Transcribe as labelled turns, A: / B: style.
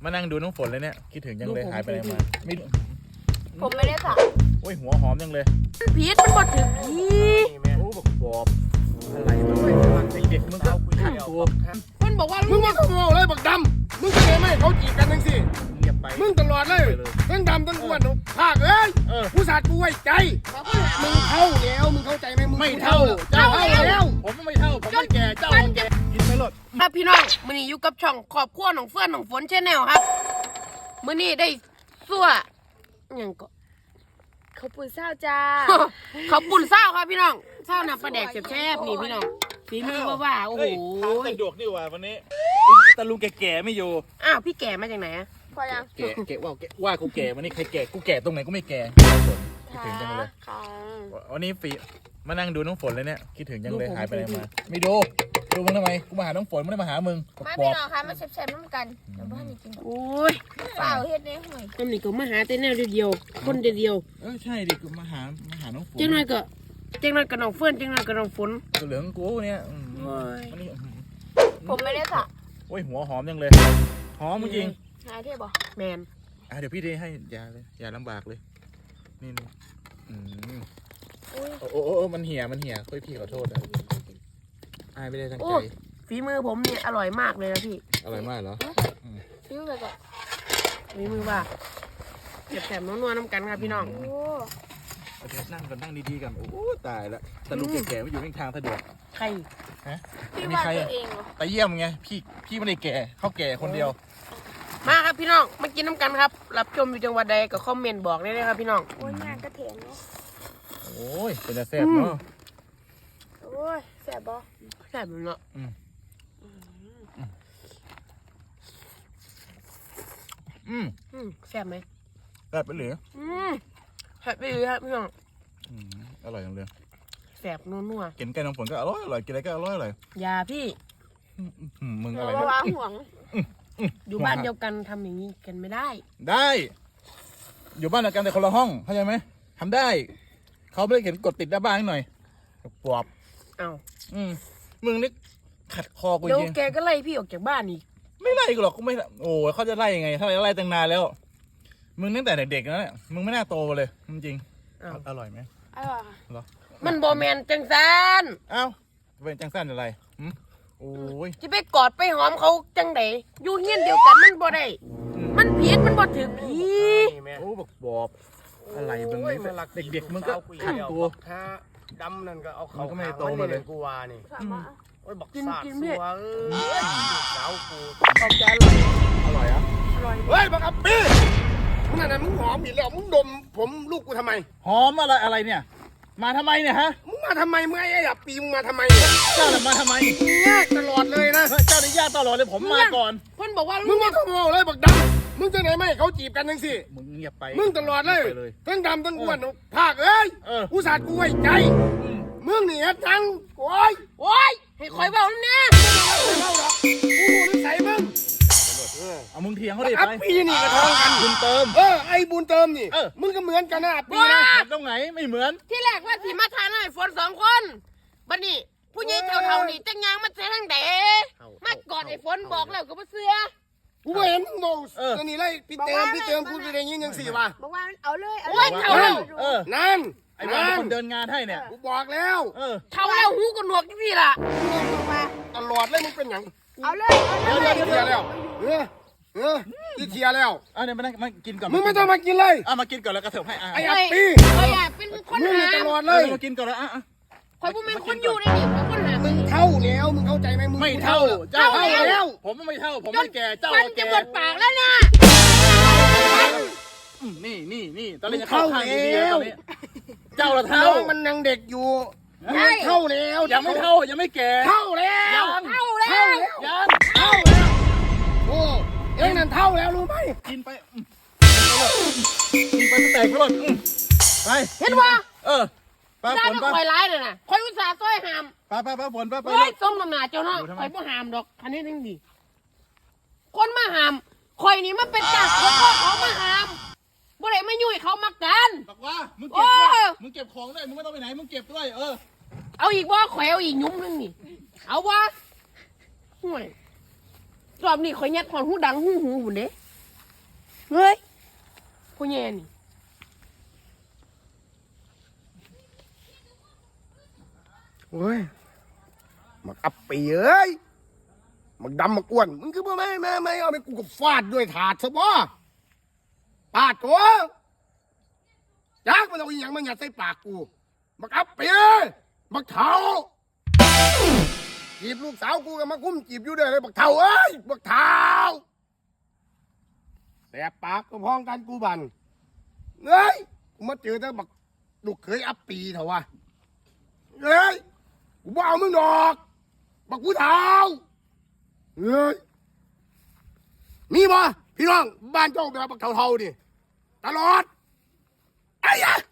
A: มานั่งดูน้องฝนเลยเนี่ยคิดถึงยังเลยหายไปไหนมาไม่
B: ผมไม่ได้สั่ง
A: โอ้ยหัวหอมยังเลย
B: พีชมันบดถึงพี
A: โอ้บอกบอบอะไรมันเด็กๆมึงก็ขัดตัว
B: มันบอกว่า
C: มึงมาขโมยเลยบักดำมึงจะไงไม่เขาจีบกันทั้งสี่
A: เงียบไป
C: มึงตลอดเลยทั้งดำทั้งอ้วนภาคเอ้ยผู้สาดกูไว้ใจมึงเท่าแล้วมึงเข้าใจไหมมึง
A: ไม่เท่า
C: เจ้าแล้ว
A: ผมไม่เท่าผมไม่แก่เจ้าแก่กินไปหมด
B: ครับพี่น้องมื้อนี้อยู่กับช่องครอบครัวน้องเฟื่อนน้องฝนแชนแนลครับมื้อนี้ได้ซั่วอย่างก็
D: เขาปุ่นเศร้าจ้า
B: เขาปุ่นเศร้าครับพี่น้องเศร้าน้ำปลาแดกแซ่บๆนี่พี่น้องฝีมือว่าโอ้โห
A: สะดวกดีกว่าวันนี้ตาลุงแก่ไม่อยู่
B: อ้าวพี่แก่มาจากไหนอะ
D: พอยัง
A: แก่ว่ากูแก่วันนี้ใครแก่กูแก่ตรงไหนกูไม่แก่คิดถึงจังเลยวันนี้ฟีมานั่งดูน้องฝนเลยเนี่ยคิดถึงยังเลยหายไปไหนมาไม่ดูมึงทำไมกูมาหาน้องฝนไม่ได้มาหามึง
D: มาพี่น้องค่ะมาแซ่บๆน้ำกันเดี๋ยวบ้านนี่กิน
B: โอ้ย
D: เปล่าเฮ็ดเนี่ยห่วย
B: คนนี้ก็มาหาแต่แนวเดียวคนเดียว
A: ใช่ดิกูมาหาน้องฝน
B: จังไรก็น้องเฟื่อนจังไรก็น้องฝน
A: ตัวเหลืองกูเนี่ย
D: ผมไม่ได้สั่ง
A: โอ้ยหัวหอมยังเลยหอมจริง
D: หาเทียบบ่
B: แมน
A: เดี๋ยวพี่ได้ให้ยาเลยยาลำบากเลยนี่โอ้มันเหี่ยค่อยพี่ขอโทษนะไม่ได้ตั้งใจ
B: ฝีมือผมเนี่ยอร่อยมากเลยนะพี่
A: อร่อยมากเหรอ
D: ฟิวเลยก็
B: ฝีมือว่าแซ่บๆนัวๆน้ำกันครับพี่น้อง
A: นั่งดีๆกันโอ้ตายแล้วแต่ลูกแก่ๆไม่อยู่ในทางสะดวก
B: ใคร
D: พี่ว่าตัวเองเหรอ
A: ไปเยี่ยมไงพี่ไม่ได้แก่เขาแก่คนเดียว
B: มาครับพี่น้องมากินน้ำกันครับรับชมอยู่จังหวัดใดก็คอมเมนต์บอกได้เลยครับพี่น้อง
D: โอ้ยงานกระเทียมเนาะ
A: โอ้ยเป็นแซ่บเนาะ
D: โอ้ยแซ่บบ่
B: แซ่บเนาะแซ่บไหม
A: แซ่บไปหรือ
B: แซ่บไปเลยครับพี่น้อง
A: อร่อยจังเลย
B: แซ่บนัว
A: กินไก่น้ำฝนก็อร่อยกินอะไรก็อร่อย
B: ยาพี่
A: มึงอะไร
D: วางห่วง
B: อยู่บ้านเดียวกันทำอย่างนี้กันไม่ได้
A: อยู่บ้านเดียวกันแต่คนละห้องเข้าใจไหมทำได้เขาไม่ได้เขียนกดติดหน้าบ้านหน่อยปวบมึงนี่ขัดคอกูจริง
B: เดี๋ยวแกก็ไล่พี่ออกจากบ้านอีก
A: ไม่ไล่กูหรอกกูไม่โอ้เขาจะไล่ยังไงถ้าไล่ตั้งนานแล้วมึงตั้งแต่เด็กๆแล้วเนี่ยมึงไม่น่าโตเลยจริงอร่อยไหม
D: อร่อย
A: เหรอ
B: มันโบแมนจังซัน
A: เป็นจังซันอะไรโอ้ย
B: จะไปกอดไปหอมเขาจังไดอยู่เฮี้ยนเดียวกันมันบ่ได้มันผีมันบ่ถือผี
A: โอ้บอบอะไรมึงเด็กๆมึงก็ขัดตัว
C: ดำนั่นก็เอาเขา
A: ก็ไม่โตมาเลย
C: กูว่านี่โอ้ยบักสาดสัวสาวกู
B: เอาใจ
A: อร่อยอ่ะ
C: เฮ้ยบักอับปี้มึงนั่นมึงหอมอีกแล้วมึงดมผมลูกกูทำไม
A: หอมอะไรเนี่ยมาทำไมเนี่ยฮะ
C: มึงมาทำไมมึงไอ้อับปี้มึงมาทำไม
A: เจ้ามาทำไม
C: ยากตลอดเลยนะ
A: เจ้าได้ยากตลอดเลยผมมาก่อน
B: เพิ่นบอกว่า
C: มึงมาขโมยเลยบักดำมึงจะไหนไม่เขาจีบกันทั้งสี่
A: มึงเงียบไป
C: มึงตลอดเลยทั้งดำทั้งอ้วนภาคเอ้ยผู้สาดกูไว้ใจมึงนี่ทั้งโอ้ย
B: ให้คอยเบาแล้วนะ
C: กูนิสัยมึง
A: เอามึงเถียงเขาดิ
C: ไปพี่นี่กระทองกัน
A: บุญเติม
C: ไอ้บุญเติมนี่มึงก็เหมือนกันนะปีนะ
A: ตรงไหนไม่เหมือน
B: ที่แรกว่าสีมาทานให้ฝน2 คนบัดนี้ผู้ใหญ่เท่านี่จังยังมาเสียทั้งเด๋มากอดไอ้ฝนบอกแล้วก็บ่เสือ
C: กูไม่เห็นมึงบอกจะนี่ไล่พี่เติมกูไปได้ยินยังสี่ว่ะ
D: บอกว่าเอาเลย
C: นั่น
A: ไอ้บ้านคนเดินงานให้เนี่ย
C: กูบอกแล้ว
B: เท่าแล้วหูก็หนวกที่ล่ะ
C: ตลอดเลยมึงเป็นอย่าง
D: เอาเลย
C: เทียแล้วที่เทียแล้ว
A: เนี่ยมากินก่อน
C: มึงไม่ต้องมากินเลย
A: มากินก่อนแล้วกระเถิบให้
C: ไอ้อัปปี้
B: เป็นคน
C: หาตลอดเลย
A: มากินก่อนแล้ว
B: คอยพูดเป็นคนอยู่ในนี่คนหา
C: มึงเท่าแล้วมึงเข้าใจไหมมึง
A: ไม่เท่าเจ้าแล้วผมไม่เท่าผมไม่แก่เจ้า
B: แก่จะหมดปากแล้วนะ
A: นี่ตอนนี้จะเข้าข้างดีๆตอนนี้เจ้าละเท่า
C: มันยังเด็กอยู่เท่าแล้ว
A: ยังไม่เท่ายังไม่แก่
C: เท่าแล้วโอ้เอ็งนั่นเท่าแล้วรู้ไหม
A: กินไปแตกไปหมดไป
B: เห็นว่า
A: ป้าฝน
B: ป้าคอยร้ายเลยนะคอยอุตส่าห์ซ้อยหาม
A: ป้าฝนป้า
B: เฮ้ยส้มน้ำหนาเจ้าเนาะคอยบ่หามดอกคันนี้ทั้งดีคนมาหามคอยนี่มันเป็นจากคนเขามาหามบ่ได้ไม่ยุ่ยเขามากัน
A: บอกว่ามึงเก็บของด้วยมึงไม่ต้องไปไหนมึงเก็บด้วย
B: เอาอีกว่าข่อยเอาอีกยุ่มนึงนี่เอาว่าห่วยรอบนี้ข่อยยัดความหูดังหูหุ่นเด้
D: เฮ้ย
B: ผู้แย่นี่
C: โอ้ยมักอับปีเอ้ยมักดำมักอ้วนมึงคือบ่ไม่เอาไปกูก็ฟาดด้วยถาดซะบ่ปาดตัวยักมันเอาอีหยังมันยัดใส่ปากกูมักอับปีมักเท้าจีบลูกสาวกูก็มาคุ้มจีบอยู่เด้อเลยบักเท้าเอ้ยบักเท้าแสบปากก็พ้องกันกูบันเฮ้ยกูมาเจอแต่บักลูกเคยอับปีเถอะวะเฮ้ยกูบ่เอามึงดอกบักกูเท้าเฮ้ยมีบ่พี่น้องบ้านเจ้าแบบบักเท่าๆดิตลอดไอ้ยะ